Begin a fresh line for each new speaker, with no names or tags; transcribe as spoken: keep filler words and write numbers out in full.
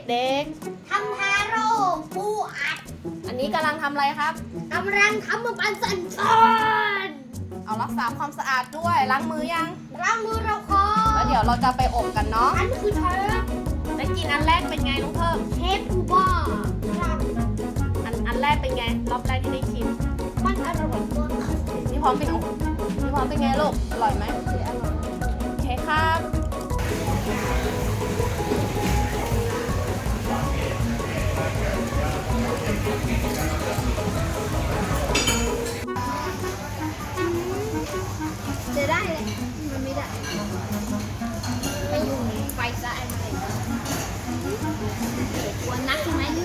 เด็ก
ทำทาโร่ปูอัด
ๆ อันนี้กำลังทำอะไรครับ
กำลังทำมาปันสันชอน
เอารักษาความสะอาดด้วย ล้างมือยัง
ล้างมือเราคอ
แล้วเดี๋ยวเราจะไปอบกันเนาะ
อันคือเชฟ
ได้กินอันแรกเป็นไงน้องเพิ่ม
เชฟปูบ้าครับ
อันอันแรกเป็นไง รอบแรกที่ได้ชิม
มันอร่อยมาก
พี่พร้อมเป็นโอ้พี่พร้อมเป็นไงลูก อร่อยไหม
อร่อย
โอเคครับ
จะได้เลยมันไม่ได้ไปยุ่งไฟซะอะไรวันนักใช่ไหม